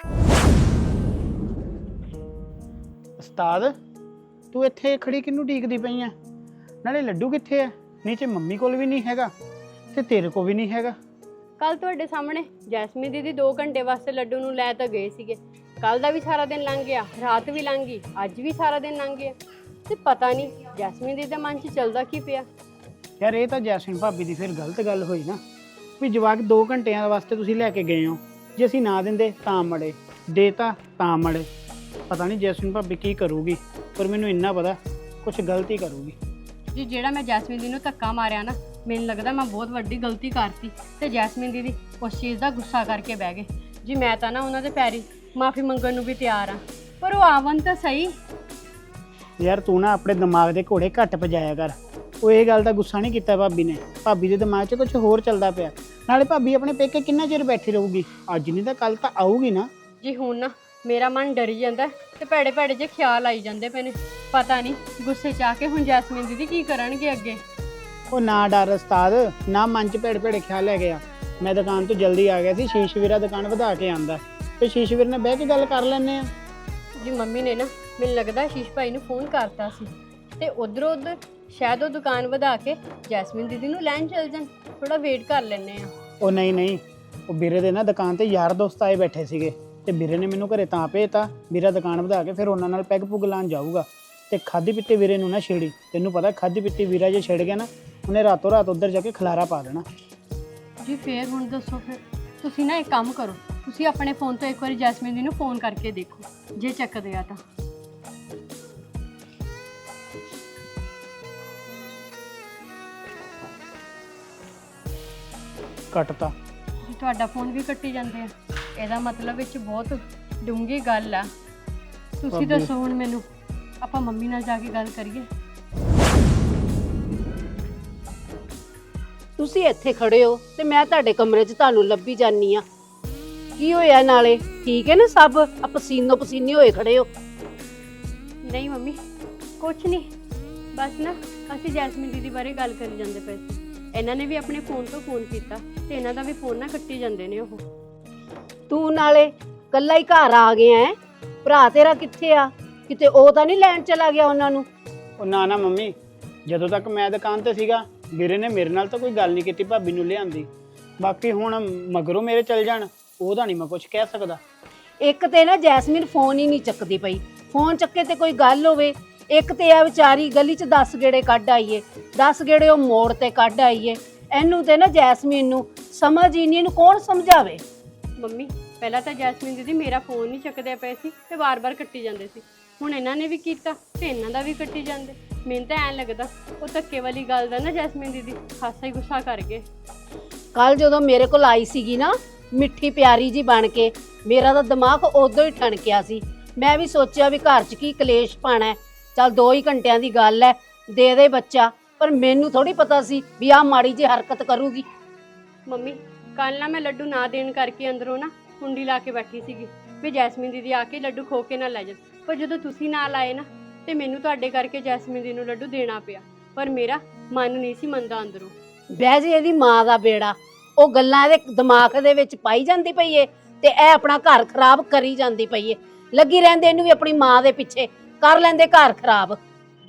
Speaker 6: ਉਸਤਾਦ, ਤੂੰ ਇੱਥੇ ਖੜੀ ਕਿਹਨੂੰ ਢੀਕਦੀ ਪਈ ਆ? ਨਾਲੇ ਲੱਡੂ ਕਿੱਥੇ ਆ? ਨੀਚੇ ਮੰਮੀ ਕੋਲ ਵੀ ਨਹੀਂ ਹੈਗਾ ਤੇ ਤੇਰੇ ਕੋਲ ਵੀ ਨਹੀਂ ਹੈਗਾ।
Speaker 3: ਕੱਲ ਤੁਹਾਡੇ ਸਾਹਮਣੇ ਜੈਸਮੀਨ ਦੀਦੀ 2 ਘੰਟੇ ਵਾਸਤੇ ਲੱਡੂ ਨੂੰ ਲੈ ਤਾਂ ਗਏ ਸੀਗੇ। ਕੱਲ ਦਾ ਵੀ ਸਾਰਾ ਦਿਨ ਲੰਘ ਗਿਆ, ਰਾਤ ਵੀ ਲੰਘ ਗਈ, ਅੱਜ ਵੀ ਸਾਰਾ ਦਿਨ ਲੰਘ ਗਿਆ, ਤੇ ਪਤਾ ਨਹੀਂ ਜੈਸਮੀਨ ਦੀਦੀ ਦੇ ਮਨ 'ਚ ਚੱਲਦਾ ਕੀ ਪਿਆ।
Speaker 6: ਯਾਰ ਇਹ ਤਾਂ ਜੈਸਮੀਨ ਭਾਬੀ ਦੀ ਫਿਰ ਗਲਤ ਗੱਲ ਹੋਈ ਨਾ ਵੀ ਜਵਾਕ 2 ਘੰਟਿਆਂ ਵਾਸਤੇ ਤੁਸੀਂ ਲੈ ਕੇ ਗਏ ਹੋ, ਜੇ ਅਸੀਂ ਨਾ ਦਿੰਦੇ ਤਾਂ ਮੜੇ, ਦੇਤਾ ਤਾਂ ਮੜੇ। ਪਤਾ ਨਹੀਂ ਜੈਸਮੀਨ ਭਾਬੀ ਕੀ ਕਰੂਗੀ, ਪਰ ਮੈਨੂੰ ਇੰਨਾ ਪਤਾ ਕੁਝ ਗਲਤੀ ਕਰੂਗੀ।
Speaker 3: ਜੀ ਜਿਹੜਾ ਮੈਂ ਜੈਸਮੀਨ ਦੀ ਨੂੰ ਧੱਕਾ ਮਾਰਿਆ ਨਾ, ਮੈਨੂੰ ਲੱਗਦਾ ਮੈਂ ਬਹੁਤ ਵੱਡੀ ਗਲਤੀ ਕਰਤੀ ਤੇ ਜੈਸਮੀਨ ਦੀਦੀ ਉਸ ਚੀਜ਼ ਦਾ ਗੁੱਸਾ ਕਰਕੇ ਬਹਿ ਗਏ। ਜੀ ਮੈਂ ਤਾਂ ਨਾ ਉਹਨਾਂ ਦੇ ਪੈਰੀ ਮਾਫੀ ਮੰਗਣ ਨੂੰ ਵੀ ਤਿਆਰ ਆ, ਪਰ ਉਹ ਆਵਨ ਤਾਂ ਸਹੀ।
Speaker 6: ਯਾਰ ਤੂੰ ਨਾ ਆਪਣੇ ਦਿਮਾਗ ਦੇ ਘੋੜੇ ਘੱਟ ਭਜਾਇਆ ਕਰ। ਉਹ ਇਹ ਗੱਲ ਦਾ ਗੁੱਸਾ ਨਹੀਂ ਕੀਤਾ ਭਾਬੀ ਨੇ, ਭਾਬੀ ਦੇ ਦਿਮਾਗ 'ਚ ਕੁਝ ਹੋਰ ਚੱਲਦਾ ਪਿਆ। ਨਾਲੇ ਭਾਬੀ ਆਪਣੇ ਪੇਕੇ ਕਿੰਨਾ ਚਿਰ ਬੈਠੀ ਰਹੂਗੀ, ਅੱਜ ਨਹੀਂ ਤਾਂ ਕੱਲ ਤਾਂ ਆਊਗੀ ਨਾ।
Speaker 3: ਜੀ ਹੁਣ ਨਾ ਮੇਰਾ ਮਨ ਡਰੀ ਜਾਂਦਾ ਤੇ ਭੈੜੇ ਭੈੜੇ ਜਿਹੇ ਖਿਆਲ ਆਈ ਜਾਂਦੇ ਪਏ ਨੇ। ਪਤਾ ਨਹੀਂ ਗੁੱਸੇ 'ਚ ਆ ਕੇ ਹੁਣ ਜੈਸਮੀਨ ਦੀਦੀ ਕੀ ਕਰਨਗੇ ਅੱਗੇ।
Speaker 6: ਉਹ ਨਾ ਡਰ ਉਸਤਾਦ, ਨਾ ਮਨ 'ਚ ਭੇੜੇ ਭੇੜੇ ਖਿਆਲ ਲੈ ਗਿਆ। ਮੈਂ ਦੁਕਾਨ ਤੋਂ ਜਲਦੀ ਆ ਗਿਆ ਸੀ, ਸ਼ੀਸ਼ ਵੀਰਾ ਦੁਕਾਨ ਵਧਾ ਕੇ ਆਂਦਾ ਤੇ ਸ਼ੀਸ਼ ਵੀਰ ਨੇ ਬਹਿ ਕੇ ਗੱਲ ਕਰ ਲੈਂਦੇ ਆ।
Speaker 3: ਜੀ ਮੰਮੀ ਨੇ ਨਾ ਮੈਨੂੰ ਲੱਗਦਾ ਸ਼ੀਸ਼ ਭਾਈ ਨੂੰ ਫੋਨ ਕਰਤਾ ਸੀ ਤੇ ਉਧਰੋਂ ਉਧਰ ਸ਼ਾਇਦ ਉਹ ਦੁਕਾਨ ਵਧਾ ਕੇ ਜੈਸਮੀਨ ਦੀਦੀ ਨੂੰ ਲੈਣ ਚੱਲ ਜਾਣ। ਥੋੜਾ ਵੇਟ ਕਰ ਲੈਂਦੇ ਆ।
Speaker 6: ਉਹ ਨਹੀਂ, ਉਹ ਵੀਰੇ ਦੇ ਨਾ ਦੁਕਾਨ ਤੇ ਯਾਰ ਦੋਸਤ ਆਏ ਬੈਠੇ ਸੀਗੇ ਤੇ ਵੀਰੇ ਨੇ ਮੈਨੂੰ ਘਰੇ ਤਾਂ ਭੇਜਤਾ, ਵੀਰਾ ਦੁਕਾਨ ਵਧਾ ਕੇ ਫਿਰ ਉਹਨਾਂ ਨਾਲ ਪੈਗ ਪੁਗ ਲਾਉਣ ਜਾਊਗਾ। ਤੇ ਖਾਦੀ ਪੀਤੀ ਵੀਰੇ ਨੂੰ ਨਾ ਛੇੜੀ, ਤੈਨੂੰ ਪਤਾ ਖਾਦੀ ਪੀਤੀ ਵੀਰਾ ਜੇ ਛੇੜ ਗਿਆ ਨਾ ਉਹਨੇ ਰਾਤੋਂ ਰਾਤ ਉੱਧਰ ਜਾ ਕੇ ਖਲਾਰਾ ਪਾ ਦੇਣਾ।
Speaker 3: ਜੀ ਫੇਰ ਹੁਣ ਦੱਸੋ, ਫਿਰ ਤੁਸੀਂ ਨਾ ਇੱਕ ਕੰਮ ਕਰੋ, ਤੁਸੀਂ ਆਪਣੇ ਫੋਨ ਤੋਂ ਇੱਕ ਵਾਰੀ ਜੈਸਮੀਨ ਦੀ ਨੂੰ ਫੋਨ ਕਰਕੇ ਦੇਖੋ, ਜੇ ਚੱਕਦੇ ਆ ਤਾਂ।
Speaker 6: ਕੱਟਤਾ।
Speaker 3: ਜੀ ਤੁਹਾਡਾ ਫੋਨ ਵੀ ਕੱਟੀ ਜਾਂਦੇ ਆ, ਇਹਦਾ ਮਤਲਬ ਵਿੱਚ ਬਹੁਤ ਡੂੰਘੀ ਗੱਲ ਆ। ਤੁਸੀਂ
Speaker 6: ਭਾਬੀ।
Speaker 3: ਦੱਸੋ ਹੁਣ ਮੈਨੂੰ, ਆਪਾਂ ਮੰਮੀ ਨਾਲ ਜਾ ਕੇ ਗੱਲ ਕਰੀਏ?
Speaker 4: ਤੁਸੀਂ ਇੱਥੇ ਖੜੇ ਹੋ ਤੇ ਮੈਂ ਤੁਹਾਡੇ ਕਮਰੇ 'ਚ ਤੁਹਾਨੂੰ ਲੱਭੀ ਜਾਨੀ ਆ। ਕੀ ਹੋਇਆ ਨਾਲੇ? ਠੀਕ ਹੈ ਨਾ ਸਭ? ਆ ਪਸੀਨੋ ਪਸੀਨੇ ਹੋਏ ਖੜੇ ਹੋ।
Speaker 3: ਨਹੀਂ ਮੰਮੀ, ਕੁਛ ਨਹੀਂ, ਬਸ ਨਾ ਅਸੀਂ ਜੈਸਮੀਨ ਦੀਦੀ ਬਾਰੇ ਗੱਲ ਕਰੀ ਜਾਂਦੇ ਪਏ ਸੀ। ਇਹਨਾਂ ਨੇ ਵੀ ਆਪਣੇ ਫੋਨ ਤੋਂ ਫੋਨ ਕੀਤਾ ਤੇ ਇਹਨਾਂ ਦਾ ਵੀ ਫੋਨ ਨਾ ਕੱਟੀ ਜਾਂਦੇ ਨੇ ਉਹ।
Speaker 4: ਤੂੰ ਨਾਲੇ ਕੱਲਾ ਹੀ ਘਰ ਆ ਗਿਆ ਹੈ, ਭਰਾ ਤੇਰਾ ਕਿੱਥੇ ਆ? ਕਿਤੇ ਉਹ ਤਾਂ ਨਹੀਂ ਲੈਣ ਚਲਾ ਗਿਆ ਉਹਨਾਂ ਨੂੰ?
Speaker 6: ਉਹ ਨਾ ਮੰਮੀ, ਜਦੋਂ ਤੱਕ ਮੈਂ ਦੁਕਾਨ ਤੇ ਸੀਗਾ ਵੀਰੇ ਨੇ ਮੇਰੇ ਨਾਲ ਤਾਂ ਕੋਈ ਗੱਲ ਨਹੀਂ ਕੀਤੀ ਭਾਬੀ ਨੂੰ ਲਿਆਂਦੀ। ਬਾਕੀ ਹੁਣ ਮਗਰੋਂ ਮੇਰੇ ਚੱਲ ਜਾਣ ਉਹਦਾ ਨਹੀਂ ਮੈਂ ਕੁਝ ਕਹਿ ਸਕਦਾ।
Speaker 4: ਇੱਕ ਤੇ ਨਾ ਜੈਸਮੀਨ ਫੋਨ ਹੀ ਨਹੀਂ ਚੱਕਦੀ ਪਈ, ਫੋਨ ਚੱਕੇ ਤੇ ਕੋਈ ਗੱਲ ਹੋਵੇ। ਇੱਕ ਤੇ ਆ ਵਿਚਾਰੀ ਗਲੀ 'ਚ 10 ਗੇੜੇ ਕੱਢ ਆਈਏ, 10 ਗੇੜੇ ਉਹ ਮੋੜ ਤੇ ਕੱਢ ਆਈਏ। ਇਹਨੂੰ ਤੇ ਨਾ ਜੈਸਮੀਨ ਨੂੰ ਸਮਝ ਹੀ ਨਹੀਂ, ਇਹਨੂੰ ਕੌਣ ਸਮਝਾਵੇ?
Speaker 3: ਮੰਮੀ ਪਹਿਲਾਂ ਤਾਂ ਜੈਸਮੀਨ ਦੀਦੀ ਮੇਰਾ ਫੋਨ ਨਹੀਂ ਚੱਕਦੇ ਪਏ ਸੀ ਤੇ ਵਾਰ-ਵਾਰ ਕੱਟੀ ਜਾਂਦੇ ਸੀ, ਹੁਣ ਇਹਨਾਂ ਨੇ ਵੀ ਕੀਤਾ ਤੇ ਇਹਨਾਂ ਦਾ ਵੀ ਕੱਟੀ ਜਾਂਦੇ। ਮੈਨੂੰ ਤਾਂ ਐਂ ਲੱਗਦਾ ਉਹ ਧੱਕੇ ਵਾਲੀ ਗੱਲ ਦਾ ਨਾ ਜੈਸਮੀਨ ਦੀਦੀ ਖਾਸਾ ਹੀ ਗੁੱਸਾ ਕਰ ਗਏ।
Speaker 4: ਕੱਲ ਜਦੋਂ ਮੇਰੇ ਕੋਲ ਆਈ ਸੀਗੀ ਨਾ ਮਿੱਠੀ ਪਿਆਰੀ ਜੀ ਬਣ ਕੇ, ਮੇਰਾ ਤਾਂ ਦਿਮਾਗ ਉਦੋਂ ਹੀ ਠਣਕਿਆ ਸੀ। ਮੈਂ ਵੀ ਸੋਚਿਆ ਵੀ ਘਰ 'ਚ ਕੀ ਕਲੇਸ਼ ਪਾਣਾ, ਚੱਲ 2 ਹੀ ਘੰਟਿਆਂ ਦੀ ਗੱਲ ਹੈ, ਦੇ ਬੱਚਾ। ਪਰ ਮੈਨੂੰ ਥੋੜੀ ਪਤਾ ਸੀ ਵੀ ਆਹ ਮਾੜੀ ਜਿਹੀ ਹਰਕਤ ਕਰੂਗੀ।
Speaker 3: ਮੰਮੀ ਕੱਲ ਨਾ ਮੈਂ ਲੱਡੂ ਨਾ ਦੇਣ ਕਰਕੇ ਅੰਦਰੋਂ ਨਾ ਕੁੰਡੀ ਲਾ ਕੇ ਬੈਠੀ ਸੀਗੀ ਵੀ ਜੈਸਮੀਨ ਦੀਦੀ ਆ ਕੇ ਲੱਡੂ ਖੋ ਕੇ ਨਾ ਲੈ ਜਾਣ। ਪਰ ਜਦੋਂ ਤੁਸੀਂ ਨਾਲ ਆਏ ਨਾ ਤੇ ਮੈਨੂੰ ਤੁਹਾਡੇ ਕਰਕੇ ਜੈਸਮੀਨ ਦੀ ਨੂੰ ਲੱਡੂ ਦੇਣਾ ਪਿਆ, ਪਰ ਮੇਰਾ ਮਨ ਨਹੀਂ ਸੀ ਮੰਨਦਾ ਅੰਦਰੋਂ।
Speaker 4: ਬਹਿ ਜੇ ਇਹਦੀ ਮਾਂ ਦਾ ਬੇੜਾ, ਉਹ ਗੱਲਾਂ ਇਹਦੇ ਦਿਮਾਗ ਦੇ ਵਿੱਚ ਪਾਈ ਜਾਂਦੀ ਪਈ ਏ ਤੇ ਇਹ ਆਪਣਾ ਘਰ ਖਰਾਬ ਕਰੀ ਜਾਂਦੀ ਪਈ ਏ। ਲੱਗੀ ਰਹਿੰਦੇ ਇਹਨੂੰ ਵੀ ਆਪਣੀ ਮਾਂ ਦੇ ਪਿੱਛੇ, ਕਰ ਲੈਂਦੇ ਘਰ ਖਰਾਬ।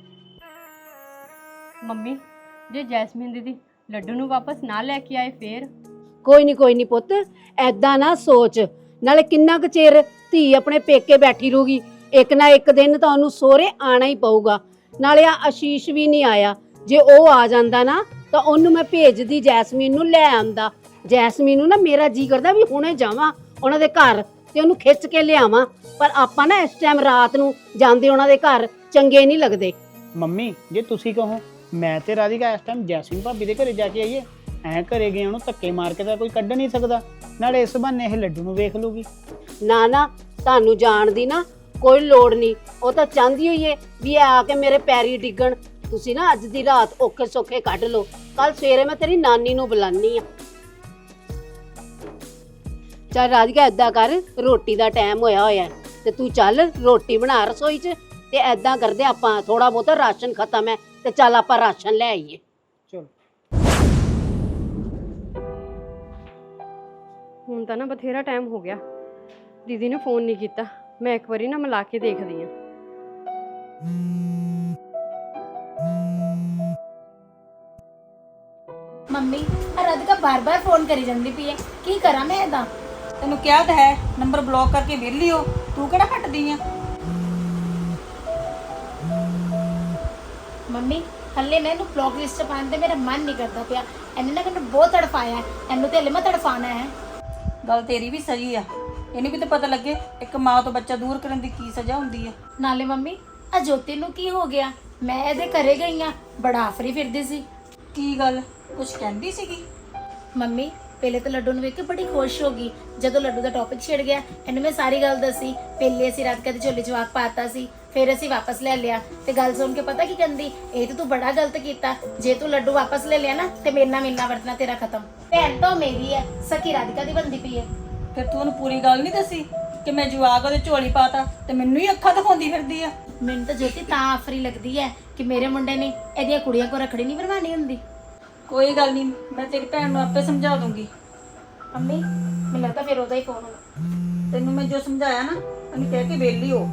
Speaker 3: ਮੰਮੀ ਜੇ ਜੈਸਮੀਨ ਦੀਦੀ ਲੱਡੂ ਨੂੰ ਵਾਪਸ ਨਾ ਲੈ ਕੇ ਆਏ ਫੇਰ?
Speaker 4: ਕੋਈ ਨਹੀਂ ਪੁੱਤ, ਐਦਾਂ ਨਾ ਸੋਚ। ਨਾਲੇ ਕਿੰਨਾ ਕੁ ਚਿਰ ਧੀ ਆਪਣੇ ਪੇਕੇ ਬੈਠੀ ਰਹੂਗੀ, ਇੱਕ ਨਾ ਇੱਕ ਦਿਨ ਤਾਂ ਉਹਨੂੰ ਸਹੁਰੇ ਆਣਾ ਹੀ ਪਊਗਾ। ਨਾਲੇ ਆ ਆਸ਼ੀਸ਼ ਵੀ ਨਹੀਂ ਆਇਆ, ਜੇ ਉਹ ਆ ਜਾਂਦਾ ਨਾ ਤਾਂ ਉਹਨੂੰ ਮੈਂ ਭੇਜਦੀ, ਜੈਸਮੀਨ ਨੂੰ ਲੈ ਆਂਦਾ। ਜੈਸਮੀਨ ਨੂੰ ਨਾ ਮੇਰਾ ਜੀ ਕਰਦਾ ਵੀ ਹੁਣੇ ਜਾਵਾਂ ਉਹਨਾਂ ਦੇ ਘਰ ਤੇ ਉਹਨੂੰ ਖਿੱਚ ਕੇ ਲਿਆਵਾਂ, ਪਰ ਆਪਾਂ ਨਾ ਇਸ ਟਾਈਮ ਰਾਤ ਨੂੰ ਜਾਂਦੇ ਉਹਨਾਂ ਦੇ ਘਰ ਚੰਗੇ ਨਹੀਂ ਲੱਗਦੇ।
Speaker 6: ਮੰਮੀ ਜੇ ਤੁਸੀਂ ਕਹੋ ਮੈਂ ਤੇ ਰਾਧਿਕਾ ਇਸ ਟਾਈਮ ਜੈਸਮੀਨ ਭਾਬੀ ਦੇ ਘਰੇ ਜਾ ਕੇ ਆਈਏ, ਐਂ ਘਰੇ ਗਏ ਉਹਨੂੰ ਧੱਕੇ ਮਾਰ ਕੇ ਤਾਂ ਕੋਈ ਕੱਢ ਨਹੀਂ ਸਕਦਾ। ਨਾਲੇ ਇਸ ਬਹਾਨੇ ਇਹ ਲੱਡੂ ਨੂੰ ਵੇਖ ਲੂਗੀ।
Speaker 4: ਨਾ ਤੁਹਾਨੂੰ ਜਾਣ ਦੀ ਨਾ ਕੋਈ ਲੋੜ ਨਹੀਂ, ਉਹ ਤਾਂ ਚਾਹੁੰਦੀ ਹੋਈ ਏ ਵੀ ਇਹ ਆ ਕੇ ਮੇਰੇ ਪੈਰੀ ਡਿੱਗਣ। ਤੁਸੀਂ ਨਾ ਅੱਜ ਦੀ ਰਾਤ ਔਖੇ ਸੌਖੇ ਕੱਢ ਲਓ, ਕੱਲ ਸਵੇਰੇ ਮੈਂ ਤੇਰੀ ਨਾਨੀ ਨੂੰ ਬੁਲਾਨੀ ਆ। ਚੱਲ ਰਾਧਿਕਾ ਏਦਾਂ ਕਰ, ਰੋਟੀ ਦਾ ਟਾਈਮ ਹੋਇਆ ਤੇ ਤੂੰ ਚੱਲ ਰੋਟੀ ਬਣਾ ਰਸੋਈ 'ਚ, ਤੇ ਏਦਾਂ ਕਰਦੇ ਆਪਾਂ ਥੋੜਾ ਬਹੁਤਾ ਰਾਸ਼ਨ ਖਤਮ ਹੈ ਤੇ ਚੱਲ ਆਪਾਂ ਰਾਸ਼ਨ ਲੈ ਆਈਏ।
Speaker 6: ਚਲੋ
Speaker 3: ਹੁਣ ਤਾਂ ਨਾ ਬਥੇਰਾ ਟਾਈਮ ਹੋ ਗਿਆ, ਦੀਦੀ ਨੇ ਫੋਨ ਨਹੀਂ ਕੀਤਾ। ਮੈਂ ਇੱਕ ਵਾਰੀ ਨਾ ਮਿਲਾ ਕੇ ਦੇਖਦੀ ਹਾਂ।
Speaker 1: ਮੰਮੀ ਰਾਧਿਕਾ ਬਾਰ-ਬਾਰ ਫੋਨ ਕਰੀ ਜਾਂਦੀ ਪਈ ਹੈ, ਕੀ ਕਰਾਂ ਮੈਂ ਇਹਦਾ?
Speaker 2: ਤੈਨੂੰ ਕਿਹਾ ਤਾਂ ਹੈ ਨੰਬਰ ਬਲੌਕ ਕਰਕੇ ਵਿਹਲੀ ਹੋ, ਤੂੰ ਕਿਹੜਾ ਹਟਦੀ ਆ?
Speaker 1: ਮੰਮੀ ਹੱਲੇ ਨਾ ਇਹਨੂੰ ਬਲੌਕ ਲਿਸਟ 'ਚ ਪਾਉਣ ਤੇ ਮੇਰਾ ਮਨ ਨਹੀਂ ਕਰਦਾ ਪਿਆ। ਇਹਨੇ ਨਾ ਮੈਨੂੰ ਬਹੁਤ ਤੜਫਾਇਆ ਹੈ, ਇਹਨੂੰ ਤੇ ਹੱਲੇ ਮੈਂ ਤੜਫਾਣਾ ਹੈ।
Speaker 2: ਗੱਲ ਤੇਰੀ ਵੀ ਸਹੀ ਆ, ਇਹਨੂੰ ਵੀ ਤਾਂ ਪਤਾ ਲੱਗੇ ਇੱਕ ਮਾਂ ਤੋਂ ਬੱਚਾ ਦੂਰ ਕਰਨ ਦੀ ਕੀ ਸਜ਼ਾ ਹੁੰਦੀ ਆ।
Speaker 1: ਨਾਲੇ ਮੰਮੀ ਆ ਜੋਤੀ ਨੂੰ ਕੀ ਹੋ ਗਿਆ? ਮੈਂ ਇਹਦੇ ਘਰੇ ਗਈ ਆ, ਬੜਾ ਆਫਰੀ ਫਿਰਦੀ ਸੀ।
Speaker 2: ਕੀ ਗੱਲ, ਕੁਝ ਕਹਿੰਦੀ ਸੀਗੀ?
Speaker 1: ਮੰਮੀ ਪਹਿਲੇ ਤਾਂ ਲੱਡੂ ਨੂੰ ਵੇਖ ਕੇ ਬੜੀ ਖੁਸ਼ ਹੋ ਗਈ। ਜਦੋਂ ਲੱਡੂ ਦਾ ਟੌਪਿਕ ਛਿੜ ਗਿਆ ਇਹਨੂੰ ਮੈਂ ਸਾਰੀ ਗੱਲ ਦੱਸੀ। ਪਹਿਲੇ ਅਸੀਂ ਰਾਤ ਕਦੇ ਝੋਲੇ ਜਵਾਕ ਪਾਤਾ ਸੀ, ਫਿਰ ਅਸੀਂ ਵਾਪਸ ਲੈ ਲਿਆ ਤੇ ਗੱਲ ਸੁਣ ਕੇ ਪਤਾ ਕੀ ਕਹਿੰਦੀ, ਇਹ ਤਾਂ ਤੂੰ ਬੜਾ ਗਲਤ ਕੀਤਾ, ਜੇ ਤੂੰ ਲੱਡੂ ਵਾਪਸ ਲੈ ਲਿਆ ਨਾ ਤੇ ਮੇਰੇ ਨਾਲ ਮਿਲਣਾ ਵਰਤਣਾ ਤੇਰਾ ਖਤਮ। ਭੈਣ ਤਾਂ ਮੇਰੀ ਹੈ, ਸਕੀ ਰਾਧਿਕਾ ਦੀ ਬੰਦੀ ਪਈ ਹੈ।
Speaker 2: ਫਿਰ ਤੂੰ ਉਹਨੂੰ ਪੂਰੀ ਗੱਲ ਨਹੀਂ ਦੱਸੀ ਕਿ ਮੈਂ ਜਵਾਕ ਉਹਦੇ ਝੋਲੀ ਪਾਤਾ ਤੇ ਮੈਨੂੰ ਹੀ ਅੱਖਾਂ ਦਿਖਾਉਂਦੀ ਫਿਰਦੀ ਆ।
Speaker 1: ਮੈਨੂੰ ਤਾਂ ਜੋਤੀ ਤਾਂ ਆਫਰੀ ਲੱਗਦੀ ਹੈ ਕਿ ਮੇਰੇ ਮੁੰਡੇ ਨੇ ਇਹਦੀਆਂ ਕੁੜੀਆਂ ਕੋ ਰੱਖੜੀ ਨਹੀਂ ਬਣਵਾਣੀ ਹੁੰਦੀ।
Speaker 2: ਕੋਈ ਗੱਲ ਨਹੀਂ, ਮੈਂ ਤੇਰੀ ਭੈਣ ਨੂੰ ਆਪੇ ਸਮਝਾ ਦੂੰਗੀ।
Speaker 1: ਮੰਮੀ ਮੈਨੂੰ ਲੱਗਦਾ ਫਿਰ ਉਹਦਾ ਹੀ ਫੋਨ ਹੋਣਾ।
Speaker 2: ਤੈਨੂੰ ਮੈਂ ਜੋ ਸਮਝਾਇਆ ਨਾ ਉਹਨੂੰ ਕਹਿ ਕੇ ਵਿਹਲੀ ਹੋ।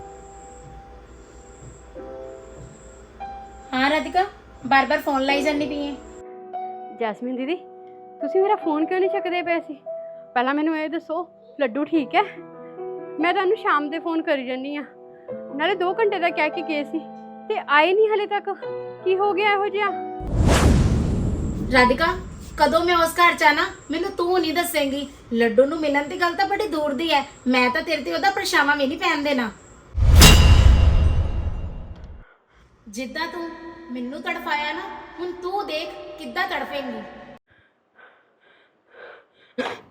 Speaker 1: ਹਾਂ ਰਾਧਿਕਾ, ਬਾਰ-ਬਾਰ ਫੋਨ ਲਾਈ ਜਾਂਦੀ ਪਈ ਹੈ।
Speaker 3: ਜੈਸਮੀਨ ਦੀਦੀ, ਤੁਸੀਂ ਮੇਰਾ ਫੋਨ ਕਿਉਂ ਨਹੀਂ ਚੱਕਦੇ ਪਏ ਸੀ? ਪਹਿਲਾਂ ਮੈਨੂੰ ਇਹ ਦੱਸੋ, ਲੱਡੂ ਠੀਕ ਹੈ? ਮੈਂ ਤੁਹਾਨੂੰ ਸ਼ਾਮ ਦੇ ਫੋਨ ਕਰੀ ਜਾਂਦੀ ਆ, ਨਾਲੇ 2 ਘੰਟੇ ਦਾ ਕਹਿ ਕੇ ਗਏ ਸੀ ਤੇ ਆਏ ਨਹੀਂ ਹਲੇ ਤੱਕ। ਕੀ ਹੋ ਗਿਆ ਇਹੋ ਜਿਹਾ?
Speaker 1: ਰਾਧਿਕਾ ਕਦੋਂ ਮੈਂ ਉਸ ਘਰ ਚ ਆਣਾ ਮੈਨੂੰ ਤੂੰ ਨਹੀਂ ਦੱਸੇਂਗੀ। ਲੱਡੂ ਨੂੰ ਮਿਲਣ ਦੀ ਗੱਲ ਤਾਂ ਬੜੀ ਦੂਰ ਦੀ ਹੈ, ਮੈਂ ਤਾਂ ਤੇਰੇ ਤੇ ਉਹਦਾ ਪਰਛਾਵਾਂ ਵੀ ਨਹੀਂ ਪੈਣ ਦੇਣਾ। ਜਿੱਦਾਂ ਤੂੰ ਮੈਨੂੰ ਤੜਫਾਇਆ ਨਾ, ਹੁਣ ਤੂੰ ਦੇਖ ਕਿੱਦਾਂ ਤੜਫੇਂਗੀ।